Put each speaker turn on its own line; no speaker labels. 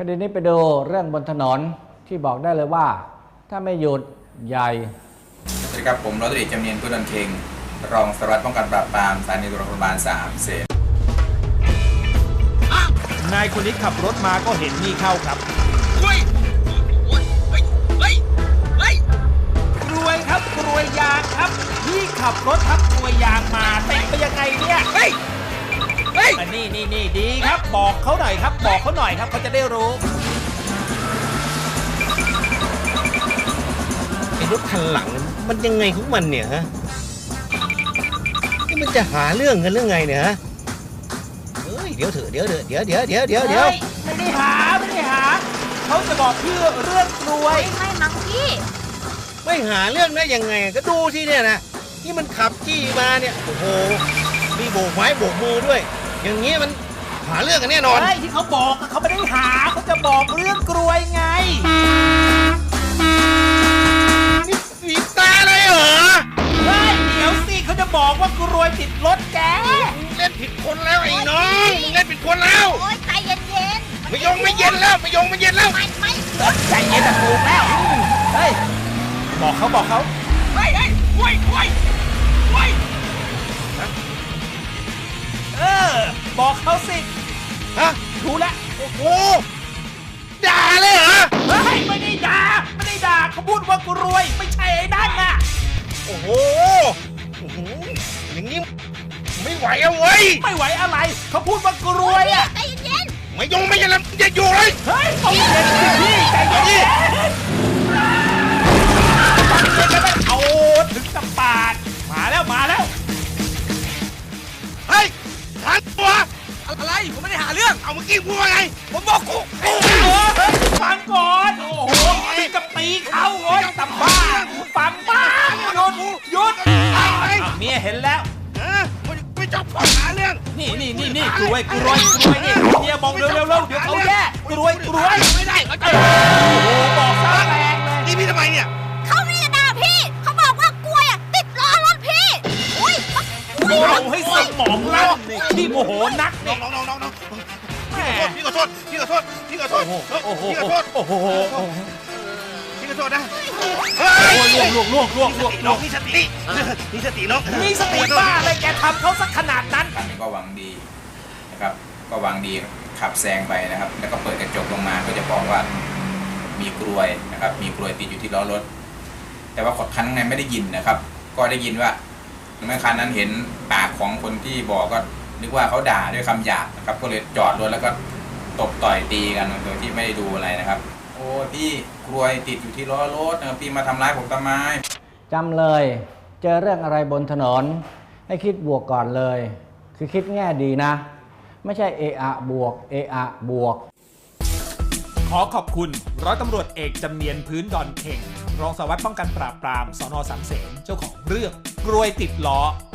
ดีนี้ไปดูเรื่องบนถนนที่บอกได้เลยว่าถ้าไม่หยุดใหญ่
สวัสดีครับผมร้อยตำรวจเอกจำเนียนพุทธนเค็งรองสารวัตรป้องกันปราบปรามสถานีตำรวจนครบาล3เสน
นายคนนี้ขับรถมาก็เห็นนี่เข้าครับกรวยครับกรวยยางครับพี่ขับรถทับกรวยยางมาติดไปยังไงเนี่ยนี่ดีครับบอกเขาหน่อยครับบอกเขาหน่อยครับเขาจะได้รู้
ไอ้รถคันหลังมันยังไงของมันเนี่ยฮะนี่มันจะหาเรื่องกันเรื่องไงเนี่ยฮะเฮ้ยเดี๋ยวเถอะเดี๋ยวไม่
ได้หาเขาจะบอกเพื่อเรื่องกรวย
ไม่มั้งพี่
ไม่หาเรื่องได้ยังไงก็ดูสิเนี่ยนะนี่มันขับจี้มาเนี่ยโอ้โหมีโบกไม้โบกมือด้วยอย่างงี้มันหาเรื่องกันแน่นอน
ใช่ที่เขาบอกเขาไม่ได้หาเขาจะบอกเรื่องกรวยไง
นี่บีบตาเลยเหรอ
ใช่เดี๋ยวสิเขาจะบอกว่ากรวยติดรถแก
เล่นผิดคนแล้วไอ้น้องเล่นผิดคนแล้ว
โอ๊ยใจเย็น
ๆไม่เย็นแล้วไม่เย็นแล้ว
ไม่
ใจเย็นแต่ถูกแล้วเฮ้ยบอกเขาเฮ้ยบอกเขาสิ
ฮะ
รู้แล้ว
โอ้โหด่าเลยเหรอ
เฮ้ยไม่ได้ด่าเขาพูดว่ากรวยไม่ใช่ไอ้นั่นน่ะ
โอ้โหอย่างนี้ไม่ไหวเอาเว้ย
ไม่ไหวอะไรเขาพูดว่ากรวยอ่ะ
ใจเย็น
ไม่เย็นแล้วจะอยู่เลย
เฮ้ยเอาเย็นพี่ใจเย็นเอาถึงกับปาดมาแล้ว
เฮ้ยหาตัว
อะไรผมไม่ได้หาเรื่อง
เอาเมื่อกี้พูดว่าไง
ผมบอกกูฟังก่อนโอ้โหถึงกับตีเขาโว้ยตำบ้าฟังบ้าหยุดเมียเห็นแล้ว
ไม่จบก่อนหาเรื่อง
นี่กรวยนี่เมียมองเร็วเดี๋ยวเขาแย่กรวย
ไม่ได้
โอ้โหบอกซะแรงเลย
นี่พี่ทำไมเนี่ย
เขาไม่ได้ด่าพี่เขาบอกว่ากล้วยติดล้อรถพี่อุ้ย
เอาให้สมองลั่นที่โมโหนัก
น้องพี่ขอโทษนะพี่ขอโทษนะ
พี่ขอโทษ
นะเฮ้ย
ล่วง
มีสติน้อง
มีสติบ้าอะไรแกทำเขาสักขนาดนั้น
ก็หวังดีนะครับก็หวังดีขับแซงไปนะครับแล้วก็เปิดกระจกลงมาก็จะบอกว่ามีกรวยนะครับมีกรวยติดอยู่ที่ล้อรถแต่ว่าคนข้างในไม่ได้ยินนะครับก็ได้ยินว่าเมื่อคันนั้นเห็นปากของคนที่บอกก็นึกว่าเขาด่าด้วยคำหยาบนะครับก็เลยจอดรถแล้วก็ตบต่อยตีกันโดยที่ไม่ได้ดูอะไรนะครับโอ้พี่กรวยติดอยู่ที่ล้อรถพี่มาทำร้ายผมทำไม
จำเลยเจอเรื่องอะไรบนถนนให้คิดบวกก่อนเลยคือคิดแง่ดีนะไม่ใช่เอะบวก
ขอขอบคุณร้อยตำรวจเอกจำเนียนพื้นดอนเข่งรองสารวัตรป้องกันปราบปรามสน.3 เสนเจ้าของเรื่องกรวยติดล้อ